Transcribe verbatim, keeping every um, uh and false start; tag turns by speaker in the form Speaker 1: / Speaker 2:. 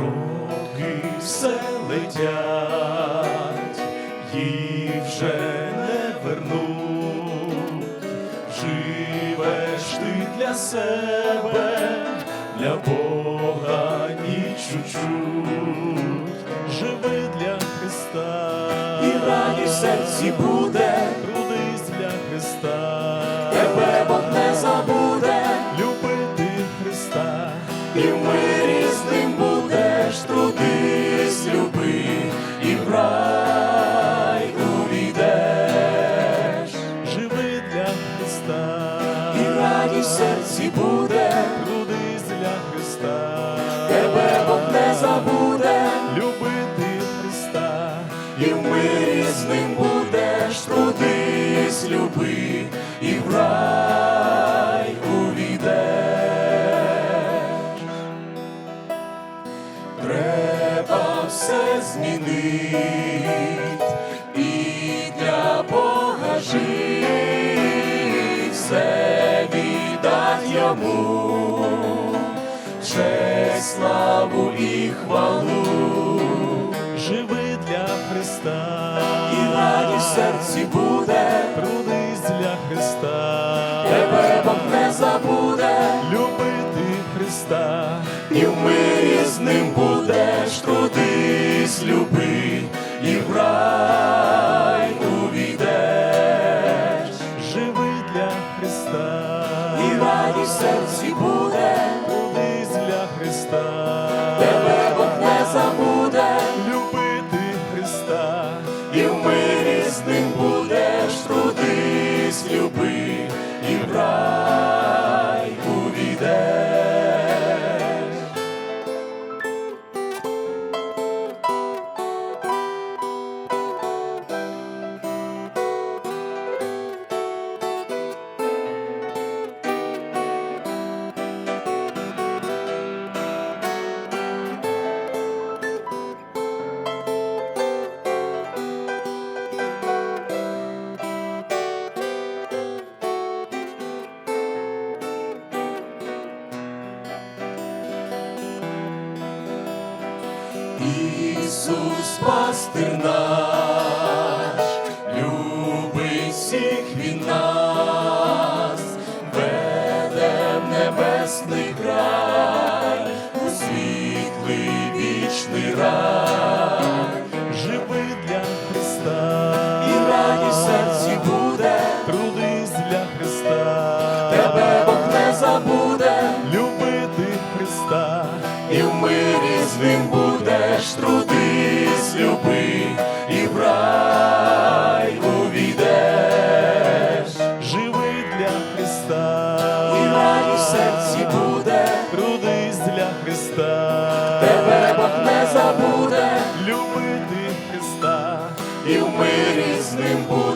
Speaker 1: роки все летять, їх вже не вернуть. Живеш ти для себе, для Бога ні чуть-чуть. Живи для Христа,
Speaker 2: і радість в серці буде,
Speaker 1: трудись для Христа,
Speaker 2: тебе Бог не забуде,
Speaker 1: любити Христа,
Speaker 2: і в мирі з ним будеш, трудись, люби, і в рай увійдеш.
Speaker 1: живи для Христа,
Speaker 2: І радість в серці буде,
Speaker 1: трудись для Христа,
Speaker 2: тебе Бог не забуде,
Speaker 1: любити Христа,
Speaker 2: і в мирі з ним будеш, трудись, люби, і в рай увійдеш. Треба все змінить, і для Бога жить, все віддать йому, честь, славу і хвалу.
Speaker 1: живи для Христа,
Speaker 2: І радість в серці буде,
Speaker 1: трудись для Христа,
Speaker 2: тебе Бог не забуде,
Speaker 1: любити Христа,
Speaker 2: і в мирі з ним будеш, трудись, люби, і в рай увійдеш.
Speaker 1: живи для Христа,
Speaker 2: І радість в серці буде,
Speaker 1: трудись для Христа,
Speaker 2: тебе Бог не забуде,
Speaker 1: любити Христа,
Speaker 2: і в мирі з ним будеш, трудись, люби, і в рай увійдеш. Ісус, пастир наш, любить всіх він нас, веде в небесний край, у світлий вічний рай.
Speaker 1: живи для Христа,
Speaker 2: І радість в серці буде,
Speaker 1: трудись для Христа,
Speaker 2: тебе Бог не забуде,
Speaker 1: любити Христа,
Speaker 2: і в мирі з ним будеш, трудись, люби, і в рай увійдеш.
Speaker 1: живи для Христа,
Speaker 2: І радість в серці буде,
Speaker 1: трудись для Христа,
Speaker 2: тебе Бог не забуде,
Speaker 1: любити Христа,
Speaker 2: і в мирі з ним будеш.